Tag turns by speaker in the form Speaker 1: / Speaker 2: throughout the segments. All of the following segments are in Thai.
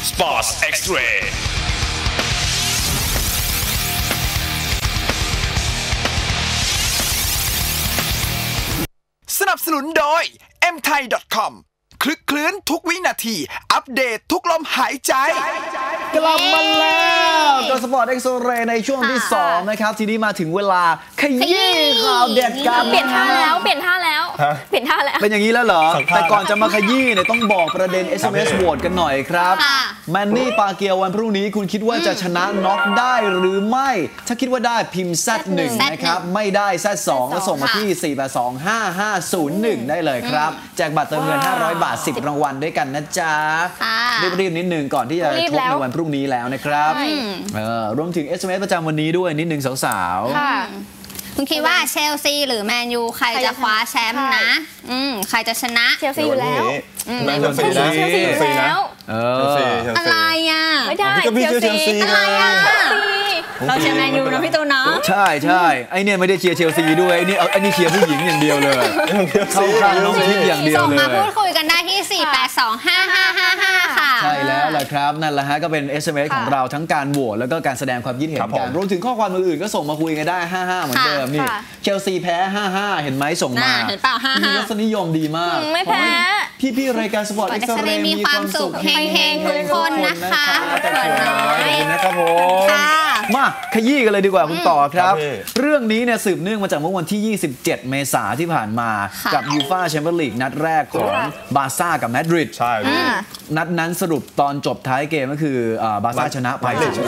Speaker 1: Sports X-Ray
Speaker 2: สนับสนุนโดย mthai.com คลึกคลื้นทุกวินาทีอัปเดตทุกลมหายใจ
Speaker 3: กลับมาแล้วกับสปอร์ตเอ็กซ์เรย์ในช่วงที่2นะครับทีนี้มาถึงเวลาขยี้ข่าวเด็ดกัน
Speaker 4: เปลี่ยนท่าแล้วเป็นอย่างนี้แล้วเหรอ
Speaker 3: แต่ก่อนจะมาขยี้เนี่ยต้องบอกประเด็น SMS โหวตกันหน่อยครับแมนนี่ปาเกียววันพรุ่งนี้คุณคิดว่าจะชนะน็อกได้หรือไม่ถ้าคิดว่าได้พิมพ์ Z1 นะครับไม่ได้ Z2 แล้วส่งมาที่ 4825501 ได้เลยครับแจกบัตรเติมเงิน500 บาท10 รางวัลด้วยกันนะจ๊ะรีบนิดนึงก่อนที่จะชกในวันพรุ่งนี้แล้วนะครับรวมถึง SMS ประจำวันนี้ด้วยนิดนึงสาว
Speaker 5: ๆคุณคิดว่าเชลซีหรือแมนยูใครจะคว้าแชมป์นะใครจะชนะ
Speaker 4: เชลซีอยู่แล้ว
Speaker 5: แมนยูเชลซีอยู่แล้วอะไรอ่ะ
Speaker 4: ไม่ได้เชลซี
Speaker 5: อะไรอ่ะเราเชียร์แมนยูนะพี่ตูนเนาะ
Speaker 3: ใช่ไอเนี่ยไม่ได้เชียร์เชลซีด้วยไอนี่เชียร์ผู้หญิงอย่างเดียวเลยเข้าข้างน้องทิพย์อย่างเดียวเลย
Speaker 5: ส่งมาพูดคุยกันได้ที่4825555ค่ะ
Speaker 3: ใช่แล้วแหละครับนั่นแหละฮะก็เป็น SMS ของเราทั้งการโหวตแล้วก็การแสดงความคิดเห็นกันรวมถึงข้อความอื่นๆก็ส่งมาคุยกันได้55เหมือนเดิมนี่เชลซีแพ้55เห็นไหมส่งมา
Speaker 5: เห็นเปล่า55
Speaker 3: รสนิยมดีมาก
Speaker 4: ไม่แพ้
Speaker 3: พี่รายการสปอร์ตเอ็กซ์เรย์
Speaker 5: มีความสุขเฮงๆทุกคนนะคะ
Speaker 3: ขอบคุณนะครับผมมาขยี้กันเลยดีกว่าคุณต่อครับเรื่องนี้เนี่ยสืบเนื่องมาจากเมื่อวันที่27เมษายนที่ผ่านมากับยูฟ่าแชมเปี้ยนลีกนัดแรกของบาร์ซ่ากับมาดริด
Speaker 1: ใช่
Speaker 3: นัดนั้นสรุปตอนจบท้ายเกมก็คือบาร์ซ่าชนะไป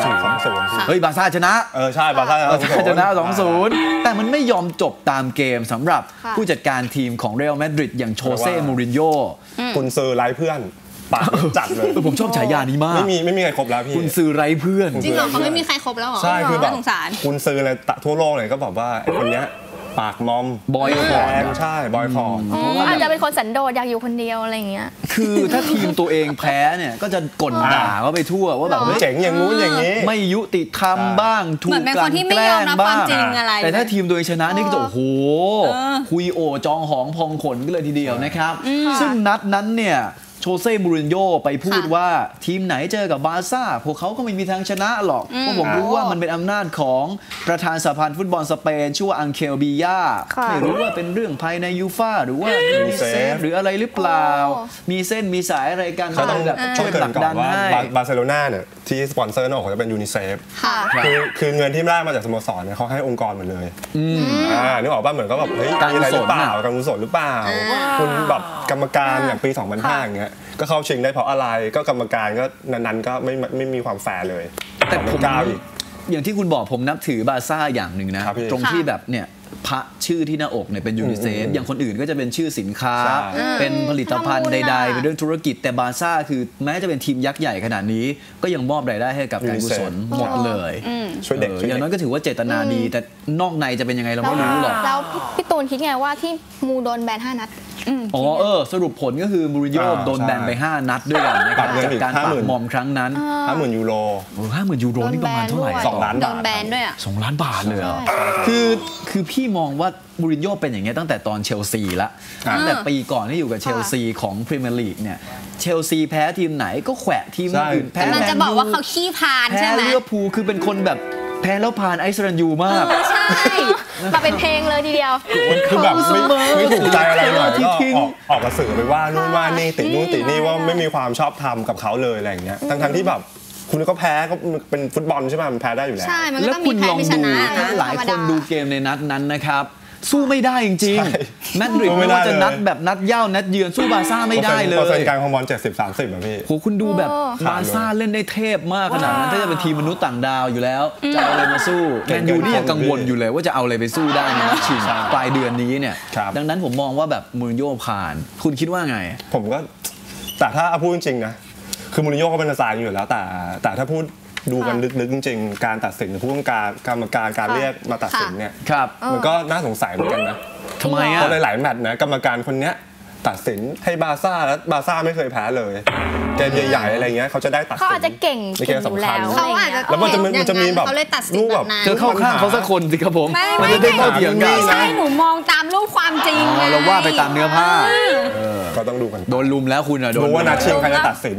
Speaker 3: 2-0 เฮ้ยบาร์ซ่าชนะ
Speaker 1: ใช่บาร์ซ่า
Speaker 3: ชนะ 2-0 แต่มันไม่ยอมจบตามเกมสำหรับผู้จัดการทีมของเรอัลมาดริดอย่างโชเซ่มูรินโญ่
Speaker 1: กุนซือไร้เพื่อนปากจัดเลย
Speaker 3: ผมชอบฉายานี้มาก
Speaker 1: ไม่มีใครครบแล้วพี่
Speaker 3: กุนซือไร้เพื่อน
Speaker 5: จริงเหรอเขาไม่มีใครครบแล้วเหรอ
Speaker 1: ใช่คือแบบกุนซืออะไรทั่วโลกเลยก็บอกว่าคนนี้ปากมอม
Speaker 3: บอยคอร์ด
Speaker 1: ใช่บอยคอร์ด
Speaker 4: อาจจะเป็นคนสันโดษอยากอยู่คนเดียวอะไรอย่างเงี้ย
Speaker 3: คือถ้าทีมตัวเองแพ้เนี่ยก็จะกลด่าเขาไปทั่วว่าแบบ
Speaker 1: เจ๋งอย่างงู้นอย่างนี้
Speaker 3: ไม่ยุติธรรมบ้างถูกกลั่นแกล้งบ้างแต่ถ้าทีมตัวเองชนะนี่ก็จะโอ้โหคุยโอจองหองพองขนกันเลยทีเดียวนะครับซึ่งนัดนั้นเนี่ยโชเซ่มูรินโญ่ไปพูดว่าทีมไหนเจอกับบาร์ซ่าพวกเขาก็ไม่มีทางชนะหรอกเพราะผมรู้ว่ามันเป็นอำนาจของประธานสหพันธ์ฟุตบอลสเปนชื่อว่าอังเคลบียาไม่รู้ว่าเป็นเรื่องภายในยูฟ่าหรือว่ามีเซฟหรืออะไรหรือเปล่ามีเส้นมีสายอะไรกัน
Speaker 1: เขาต้องช่วยผลักดันให้บาร์เซโลนาเนี่ยที่สปอนเซอร์นอกเขาจะเป็นยูนิเซฟคือเงินที่ได้มาจากสโมสรเนี่ยเขาให้องค์กรหมดเลยนึกออกป่ะเหมือนก็แบบเฮ้ยมีอะไรหรือเปล่าการกุศลหรือเปล่าคุณแบบกรรมการอย่างปี 2005 อย่างเงี้ยก็เข้าชิงได้เพราะอะไรก็กรรมการก็นั้นก็ไม่มีความแฟร์เลย
Speaker 3: แต่ผมอย่างที่คุณบอกผมนับถือบาร์ซ่าอย่างหนึ่งนะตรงที่แบบเนี่ยพระชื่อที่หน้าอกเนี่ยเป็นยูนิเซฟอย่างคนอื่นก็จะเป็นชื่อสินค้าเป็นผลิตภัณฑ์ใดๆเป็นเรื่องธุรกิจแต่บาร์ซ่าคือแม้จะเป็นทีมยักษ์ใหญ่ขนาดนี้ก็ยังมอบรายได้ให้กับการกุศลหมดเลย
Speaker 1: ช่วยเด็ก
Speaker 3: อย่างน้อยก็ถือว่าเจตนาดีแต่นอกในจะเป็นยังไงเราไม่รู้หรอก
Speaker 4: แล้วพี่ตูนคิดไงว่าที่มูโดนแบน5 นัด
Speaker 3: สรุปผลก็คือมูรินโญ่โดนแบนไป5 นัดด้วยกันนะครับจากการปราบมอมครั้งนั้น
Speaker 1: 50,000 ยูโร
Speaker 3: 50,000 ยูโรนี่ประมาณเท่าไหร่
Speaker 1: 2 ล้านบาท
Speaker 5: โดนแบนด้วย
Speaker 3: 2 ล้านบาทเลยคือพี่มองว่ามูรินโญ่เป็นอย่างเงี้ยตั้งแต่ตอนเชลซีละตั้งแต่ปีก่อนที่อยู่กับเชลซีของพรีเมียร์ลีกเนี่ยเชลซีแพ้ทีมไหนก็แขวะทีมอื่น
Speaker 5: แพ้มันจะบอกว่าเขาขี้พานใช่ไหม
Speaker 3: แพ้ลิเวอร์พูลคือเป็นคนแบบแพ้แล้วพานไอซ์แลนด์ยูมาก
Speaker 4: ใช่มาเป็นเพลงเลยทีเดียว
Speaker 1: คือแบบไม่ถูกใจอะไรหน่อยก็ออกกระสือไปว่านู่นว่านี่ตินู่นตินี่ว่าไม่มีความชอบธรรมกับเขาเลยอะไรอย่างเงี้ยทั้งที่แบบคุณก็แพ้ก็เป็นฟุตบอลใช่ไหมมันแพ้ได้อยู่แล้ว
Speaker 3: แล้วคุณลองดูหลายคนดูเกมในนัดนั้นนะครับสู้ไม่ได้จริงๆมาดริดไม่ว่าจะนัดแบบนัดเย้านัดเยือนสู้บาร์ซ่าไม่ได้เลย
Speaker 1: เปอร์เซ็นต์การของบอล70-30แบบพี่
Speaker 3: โหคุณดูแบบบาร์ซ่าเล่นได้เทพมากขนาดนั้นถ้าจะเป็นทีมมนุษย์ต่างดาวอยู่แล้วจะเอาอะไรมาสู้แมนยูนี่ยังกังวลอยู่เลยว่าจะเอาอะไรไปสู้ได้ในนัดชิงปลายเดือนนี้เนี่ยดังนั้นผมมองว่าแบบมูรินโญ่ผ่านคุณคิดว่าไง
Speaker 1: ผมก็แต่ถ้าพูดจริงๆนะคือมูรินโญ่เขาเป็นอาจารย์อยู่แล้วแต่ถ้าพูดดูกันลึกๆจริงๆการตัดสินผู้กำกับกรรมการการเรียกมาตัดสินเนี่ยมันก็น่าสงสัยเหมือนกันนะ
Speaker 3: ทำไมอ่ะ
Speaker 1: เพราะหลายๆแมตช์นะกรรมการคนเนี้ยตัดสินให้บาร์ซ่าแล้วบาร์ซ่าไม่เคยแพ้เลยเกมใหญ่ๆอะไรเงี้ยเขาจะได้ตัดสิน
Speaker 4: เขาอาจจะเก่ง
Speaker 1: อยู่
Speaker 4: แล้ว
Speaker 5: เขาอาจจะ
Speaker 1: แล้วมันจะมีแบบ
Speaker 5: รูปแบบ
Speaker 3: เจอเข้าข้างเขาสักคนสิครับผมมันจะได้เข้าเถียงกัน
Speaker 5: ใช่หนูมองตามรูปความจริง
Speaker 3: เราว่าไปตามเนื้อผ้า
Speaker 1: ก็ต้องดูกัน
Speaker 3: โดนลุมแล้วคุณอ่ะ
Speaker 1: ดูว่านัดชิงใครจะตัดสิน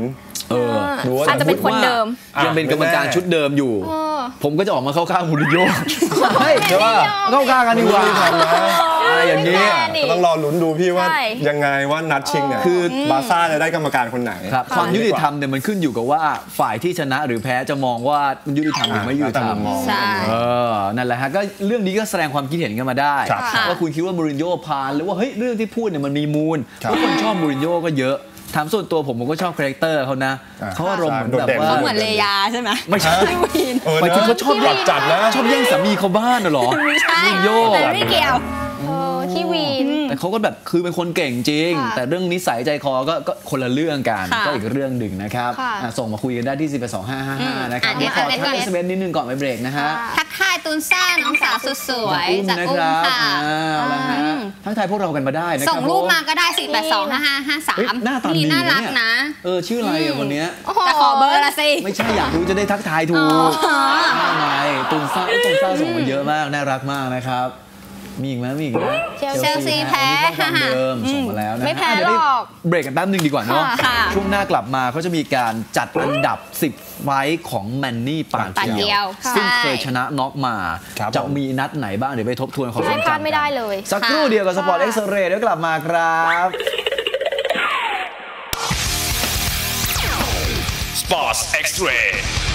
Speaker 4: อาจจะเป็นคนเดิม
Speaker 3: ยังเป็นกรรมการชุดเดิมอยู่ผมก็จะออกมาเข้าข้างมูรินโญ่ใช่ว่าเข้าข้างกันดีกว่าอะไรอย่างนี้
Speaker 1: ก็ต้องรอลุ้นดูพี่ว่ายังไงว่านัดชิงเนี่ยคือบาร์ซ่าจะได้กรรมการคนไหน
Speaker 3: ความยุติธรรมเนี่ยมันขึ้นอยู่กับว่าฝ่ายที่ชนะหรือแพ้จะมองว่ามันยุติธรรมหรือไม่ยุติธรรมนั่นแหละฮะก็เรื่องนี้ก็แสดงความคิดเห็นกันมาได้ว่าคุณคิดว่ามูรินโญ่ผ่านหรือว่าเฮ้ยเรื่องที่พูดเนี่ยมันมีมูลเพราะคนชอบมูรินโญ่ก็เยอะถามส่วนตัวผมก็ชอบคาแรคเตอร์เขานะเขาอารมณ์เหมือนแบบว่า
Speaker 5: เขาเหมือนเลยาใช่ไหม
Speaker 3: ไม่ใช่หมายถึงเขาชอบ
Speaker 1: จัดนะ
Speaker 3: ชอบแย่งสามีเขาบ้านเหรอ
Speaker 5: ไม่ใช่แต่ไม่เกี่ยว
Speaker 4: ขี้วีน
Speaker 3: แต่เขาก็แบบคือเป็นคนเก่งจริงแต่เรื่องนิสัยใจคอก็คนละเรื่องกันก็อีกเรื่องหนึ่งนะครับส่งมาคุยกันได้ที่48255นะครับขอทักเอสเบนนิดนึงก่อนไปเบรกนะฮะ
Speaker 5: ทักทายตุนซ่าน้องสาวสุดสวยจากอุ้มค่ะ
Speaker 3: ทักทายพวกเรากันมาได้นะครับ
Speaker 5: ส่งรูปมาก็ได้4825553
Speaker 3: หน้าตาดี
Speaker 5: น่ารักนะ
Speaker 3: ชื่ออะไรคนนี้
Speaker 5: แต่ขอเบอร์ละสิ
Speaker 3: ไม่ใช่อยากรู้จะได้ทักทายถูกอะไรตุนซ่าส่งมาเยอะมากน่ารักมากนะครับมีอีกไหม
Speaker 5: เชลซีแพ้
Speaker 3: เดิมส่งมาแล้วนะ
Speaker 4: ไม่แพ้หรอก
Speaker 3: เบรกกันแป๊บนึงดีกว่าเนาะช่วงหน้ากลับมาเขาจะมีการจัดอันดับ10ไฟท์ของแมนนี่ป่านเดียวซึ่งเคยชนะน็อกมาจะมีนัดไหนบ้างเดี๋ยวไปทบทวนความทรงจำ
Speaker 4: ไม่ได้เลย
Speaker 3: สักครู่เดียวกับสปอร์ตเอ็กซ์เรย์เดี๋ยวกลับมาครับ
Speaker 6: สปอร์ตเอ็กซ์เรย์